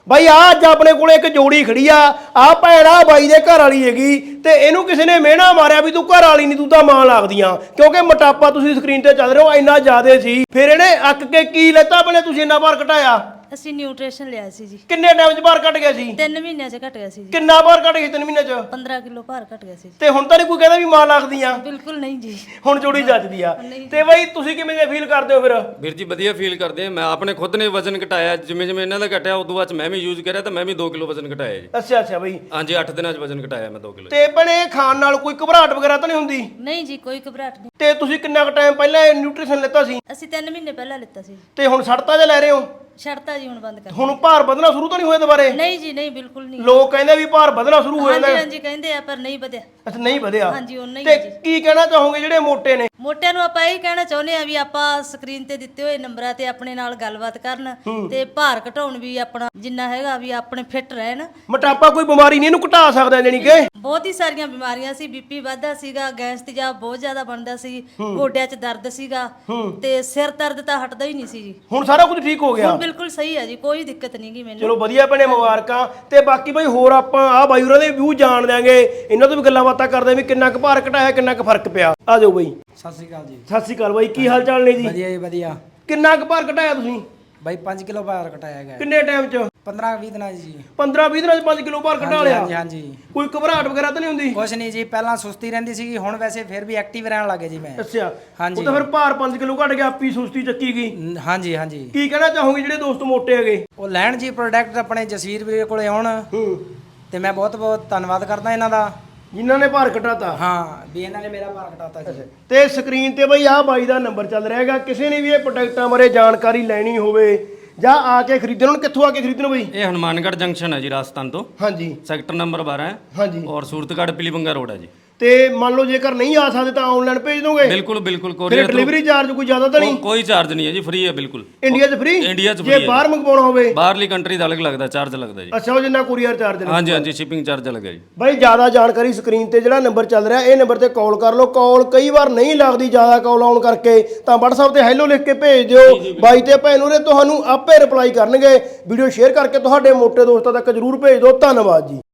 ਬਾਈ ਆ ਅੱਜ ਆਪਣੇ ਕੋਲੇ ਇੱਕ ਜੋੜੀ ਖੜੀ ਆ ਭੈਣ ਆ ਬਾਈ ਦੇ ਘਰ ਵਾਲੀ ਹੈਗੀ ਤੇ ਇਹਨੂੰ ਕਿਸੇ ਨੇ ਮਿਹਣਾ ਮਾਰਿਆ ਵੀ ਤੂੰ ਘਰ ਵਾਲੀ ਨਹੀਂ ਤੂੰ ਤਾਂ ਮਾਂ ਲੱਗਦੀਆਂ ਕਿਉਂਕਿ ਮੋਟਾਪਾ ਤੁਸੀਂ ਸਕਰੀਨ ਤੇ ਚੱਲ ਰਹੇ ਹੋ ਇੰਨਾ ਜ਼ਿਆਦਾ ਸੀ। ਫਿਰ ਇਹਨੇ ਅੱਕ ਕੇ ਕੀ ਲੈਤਾ ਬਣੇ ਤੁਸੀਂ ਇੰਨਾ ਭਾਰ ਘਟਾਇਆ? ਅਸੀਂ ਨਿਊਟ੍ਰੀਸ਼ਨ ਲਿਆ ਸੀ ਜੀ। ਕਿੰਨੇ ਟਾਈਮ 'ਚ ਭਾਰ ਘਟ ਗਿਆ ਸੀ? 3 ਮਹੀਨਿਆਂ 'ਚ ਘਟ ਗਿਆ ਸੀ ਜੀ। ਕਿੰਨਾ ਭਾਰ ਘਟ ਗਿਆ 3 ਮਹੀਨਿਆਂ 'ਚ? 15 ਕਿਲੋ ਭਾਰ ਘਟ ਗਿਆ ਸੀ ਜੀ। ਤੇ ਹੁਣ ਤਾਂ ਨਹੀਂ ਕੋਈ ਕਹਿੰਦਾ ਵੀ ਮਾਂ ਲੱਗਦੀਆਂ? ਬਿਲਕੁਲ ਨਹੀਂ ਜੀ, ਹੁਣ ਜੋੜੀ ਜੱਜਦੀ ਆ। ਤੇ ਬਾਈ ਤੁਸੀਂ ਕਿਵੇਂ ਦੇ ਫੀਲ ਕਰਦੇ ਹੋ ਫਿਰ? ਵੀਰ ਜੀ ਵਧੀਆ ਫੀਲ ਕਰਦੇ ਆ। ਮੈਂ ਆਪਣੇ ਖੁਦ ਨੇ ਵਜ਼ਨ ਘਟਾਇਆ, ਜਿਵੇਂ ਜਿਵੇਂ ਇਹਨਾਂ ਦਾ ਘਟਿਆ ਉਦੋਂ ਬਾਅਦ ਮੈਂ ਵੀ ਯੂਜ਼ ਕਰਿਆ ਤਾਂ ਮੈਂ ਵੀ 2 ਕਿਲੋ ਵਜ਼ਨ ਘਟਾਇਆ ਜੀ। ਅੱਛਾ ਬਾਈ। ਹਾਂਜੀ 8 ਦਿਨਾਂ 'ਚ ਵਜ਼ਨ ਘਟਾਇਆ ਮੈਂ 2 ਕਿਲੋ। ਤੇ ਭੈਣੇ ਖਾਣ ਨਾਲ ਕੋਈ ਘਬਰਾਹਟ ਵਗੈਰਾ ਤਾਂ ਨਹੀਂ ਹੁੰਦੀ? ਨਹੀਂ ਜੀ, ਕੋਈ ਘਬਰਾਹਟ ਨਹੀਂ। ਤੇ ਤੁਸੀਂ ਕਿੰਨਾ ਕੁ ਟਾਈਮ ਪਹਿਲਾਂ ਇਹ ਨਿਊਟ੍ਰੀਸ਼ਨ ਲਿੱਤਾ ਸੀ? ਅਸੀਂ 3 ਮਹੀਨੇ ਪਹਿਲਾਂ ਲਿੱਤਾ ਸੀ। ਤੇ ਹੁਣ ਛੱਡਤਾ ਜਾਂ ਲੈ ਰਹੇ ਹੋ? ਛੱਡਤਾ ਜੀ, ਹੁਣ ਬੰਦ ਕਰ। ਹੁਣ ਭਾਰ ਵਧਣਾ ਸ਼ੁਰੂ ਤਾਂ ਨਹੀਂ ਹੋਇਆ ਦੁਬਾਰੇ? ਨਹੀਂ ਜੀ, ਨਹੀਂ ਬਿਲਕੁਲ ਨਹੀਂ। ਲੋਕ ਕਹਿੰਦੇ ਵੀ ਭਾਰ ਵਧਣਾ ਸ਼ੁਰੂ ਹੋ ਜਾਂਦਾ। ਹਾਂਜੀ ਹਾਂਜੀ ਕਹਿੰਦੇ ਆ, ਪਰ ਨਹੀਂ ਵਧਿਆ। ਅੱਛਾ ਨਹੀਂ ਵਧਿਆ। ਹਾਂਜੀ ਉਹਨਾਂ ਹੀ ਤੇ ਕੀ ਕਹਿਣਾ ਚਾਹੋਗੇ ਜਿਹੜੇ ਮੋਟੇ ਨੇ? ਮੋਟਿਆਂ ਨੂੰ ਆਪਾਂ ਇਹ ਕਹਿਣਾ ਚਾਹੁੰਦੇ ਆ ਵੀ ਆਪਾਂ ਸਕਰੀਨ ਤੇ ਦਿੱਤੇ ਹੋਏ ਨੰਬਰਾਂ ਤੇ ਆਪਣੇ ਨਾਲ ਗੱਲਬਾਤ ਕਰਨ ਤੇ ਭਾਰ ਘਟਾਉਣ ਵੀ ਆਪਣਾ ਜਿੰਨਾ ਹੈਗਾ ਵੀ ਆਪਣੇ ਫਿੱਟ ਰਹਿਣ। ਮੋਟਾਪਾ ਕੋਈ ਬਿਮਾਰੀ ਨਹੀਂ, ਇਹਨੂੰ ਘਟਾ ਸਕਦਾ ਜਾਨੀ ਕਿ? ਬਹੁਤ ਹੀ ਸਾਰੀਆਂ ਬਿਮਾਰੀਆਂ ਸੀ, ਬੀਪੀ ਵੱਧਦਾ ਸੀਗਾ, ਗੈਸ ਤੇਜ਼ਾਬ ਬਹੁਤ ਜ਼ਿਆਦਾ ਬਣਦਾ ਸੀ, ਗੋਡਿਆਂ 'ਚ ਦਰਦ ਸੀਗਾ ਤੇ ਸਿਰ ਦਰਦ ਤਾਂ ਹਟਦਾ ਹੀ ਨਹੀਂ ਸੀ ਜੀ। ਹੁਣ ਸਾਰਾ ਕੁਝ ਠੀਕ ਹੋ ਗਿਆ? ਹੁਣ ਬਿਲਕੁਲ ਸਹੀ ਹੈ ਜੀ, ਕੋਈ ਦਿੱਕਤ ਨਹੀਂ ਗੀ ਮੈਨੂੰ। ਚਲੋ ਵਧੀਆ ਭੈਣੇ, ਮੁਬਾਰਕਾਂ। ਤੇ ਬਾਕੀ ਬਈ ਹੋਰ ਆਪਾਂ ਆ ਬਾਈ ਹੋਰਾਂ ਦੇ ਵਿਊ ਜਾਣ ਦਿਆਂਗੇ, ਇਹਨਾਂ ਤੋਂ ਵੀ ਗੱਲਾਂ ਬਾਤਾਂ ਕਰਦੇ ਵੀ ਕਿੰਨਾ ਕੁ ਭਾਰ ਘਟਾਇਆ, ਕਿੰਨਾ ਕੁ ਫਰਕ ਪਿਆ। ਆ ਜਾਓ ਬਈ। ਸਤਿ ਸ਼੍ਰੀ ਅਕਾਲ ਜੀ। ਸਤਿ ਸ਼੍ਰੀ ਅਕਾਲ ਬਾਈ, ਕੀ ਹਾਲ ਚਾਲ ਨੇ ਜੀ? ਵਧੀਆ ਜੀ ਵਧੀਆ। ਕਿੰਨਾ ਕੁ ਭਾਰ ਘਟਾਇਆ ਤੁਸੀਂ? ਬਾਈ 5 ਕਿਲੋ ਭਾਰ ਘਟਾਇਆ ਗਿਆ। ਕਿੰਨੇ ਟਾਈਮ 'ਚ? 15-20 ਦਿਨਾਂ 'ਚ ਜੀ। 15-20 ਦਿਨਾਂ 'ਚ 5 ਕਿਲੋ ਭਾਰ ਘਟਾ ਲਿਆ? ਹਾਂਜੀ ਹਾਂਜੀ। ਕੋਈ ਘਬਰਾਹਟ ਵਗੈਰਾ ਤਾਂ ਨਹੀਂ ਹੁੰਦੀ? ਕੁਛ ਨਹੀਂ ਜੀ, ਪਹਿਲਾਂ ਸੁਸਤੀ ਰਹਿੰਦੀ ਸੀਗੀ, ਹੁਣ ਵੈਸੇ ਫਿਰ ਵੀ ਐਕਟਿਵ ਰਹਿਣ ਲੱਗੇ ਜੀ ਮੈਂ। ਅੱਛਾ। ਹਾਂਜੀ। ਉਹ ਤਾਂ ਫਿਰ ਭਾਰ 5 ਕਿਲੋ ਘਟ ਗਿਆ, ਆਪੀ ਸੁਸਤੀ ਚੱਕੀ ਗਈ। ਹਾਂਜੀ ਹਾਂਜੀ। ਕੀ ਕਹਿਣਾ ਚਾਹੋਗੇ ਜਿਹੜੇ ਦੋਸਤ ਮੋਟੇ ਹੈਗੇ? ਉਹ ਲੈਣ ਜੀ ਪ੍ਰੋਡਕਟ ਆਪਣੇ ਜਸੀਰ ਵੀਰੇ ਕੋਲੇ ਆਉਣ ਤੇ ਮੈਂ ਬਹੁਤ ਬਹੁਤ ਧੰਨਵਾਦ ਕਰਦਾ ਇਹਨਾਂ ਦਾ ਜਿਨ੍ਹਾਂ ਨੇ ਭਾਰ ਘਟਾਤਾ। ਹਾਂ ਵੀ ਇਹਨਾਂ ਨੇ ਮੇਰਾ ਭਾਰ ਘਟਾਤਾ ਜੀ। ਤੇ ਸਕਰੀਨ ਤੇ ਬਈ ਆਹ ਬਾਈ ਦਾ ਨੰਬਰ ਚੱਲ ਰਿਹਾ ਹੈਗਾ, ਕਿਸੇ ਨੇ ਵੀ ਇਹ ਪ੍ਰੋਡਕਟਾਂ ਬਾਰੇ ਜਾਣਕਾਰੀ ਲੈਣੀ ਹੋਵੇ ਜਾਂ ਆ ਕੇ ਖਰੀਦਣ। ਹੁਣ ਕਿੱਥੋਂ ਆ ਕੇ ਖਰੀਦਣ ਬਈ? ਇਹ ਹਨੂਮਾਨਗੜ੍ਹ ਜੰਕਸ਼ਨ ਹੈ ਜੀ, ਰਾਜਸਥਾਨ ਤੋਂ। ਹਾਂਜੀ। ਸੈਕਟਰ ਨੰਬਰ 12 ਹੈ। ਹਾਂਜੀ। ਔਰ ਸੂਰਤਗੜ੍ਹ ਪੀਲੀਬੰਗਾ ਰੋਡ ਹੈ ਜੀ। ਤੇ ਮੰਨ ਲਓ ਜੇਕਰ ਨਹੀਂ ਆ ਸਕਦੇ ਤਾਂ ਆਨਲਾਈਨ ਭੇਜ ਦੋਗੇ? ਬਿਲਕੁਲ ਬਿਲਕੁਲ। ਫਿਰ ਕੋਰੀਅਰ ਡਿਲੀਵਰੀ ਚਾਰਜ ਕੋਈ ਜ਼ਿਆਦਾ ਤਾਂ ਨਹੀਂ? ਕੋਈ ਚਾਰਜ ਨਹੀਂ ਹੈ ਜੀ, ਫ੍ਰੀ ਹੈ ਬਿਲਕੁਲ। ਇੰਡੀਆ 'ਚ ਫ੍ਰੀ? ਇੰਡੀਆ 'ਚ ਜੇ free ਹੈ। ਬਾਹਰ ਮੰਗਵਾਉਣਾ ਹੋਵੇ? ਬਾਹਰਲੀ ਕੰਟਰੀ ਦਾ ਅਲੱਗ ਲੱਗਦਾ, ਚਾਰਜ ਲੱਗਦਾ ਜੀ। ਅੱਛਾ, ਉਹ ਜਿੰਨਾ ਕੋਰੀਅਰ ਚਾਰਜ ਨੇ। ਹਾਂਜੀ ਹਾਂਜੀ, ਸ਼ਿਪਿੰਗ ਚਾਰਜ ਅਲੱਗ ਹੈ ਜੀ। ਬਾਈ ਜ਼ਿਆਦਾ ਜਾਣਕਾਰੀ ਸਕਰੀਨ ਤੇ ਜਿਹੜਾ ਨੰਬਰ ਚੱਲ ਰਿਹਾ ਇਹ ਨੰਬਰ ਤੇ ਕਾਲ ਕਰ ਲਓ। ਕਾਲ ਕਈ ਵਾਰ ਨਹੀਂ ਲੱਗਦੀ, ਜ਼ਿਆਦਾ ਕਾਲ ਆਉਣ ਕਰਕੇ, ਤਾਂ WhatsApp ਤੇ ਹੈਲੋ ਲਿਖ ਕੇ ਭੇਜ ਦਿਓ। ਬਾਈ ਤੇ ਭੈਣ ਨੂੰ ਤੁਹਾਨੂੰ ਆਪੇ ਰਿਪਲਾਈ ਕਰਨਗੇ। ਵੀਡੀਓ ਸ਼ੇਅਰ ਕਰਕੇ ਤੁਹਾਡੇ ਮੋਟੇ ਦੋਸਤਾਂ ਤੱਕ ਜਰੂਰ ਭੇਜ ਦਿਓ। ਧੰਨਵਾਦ ਜੀ।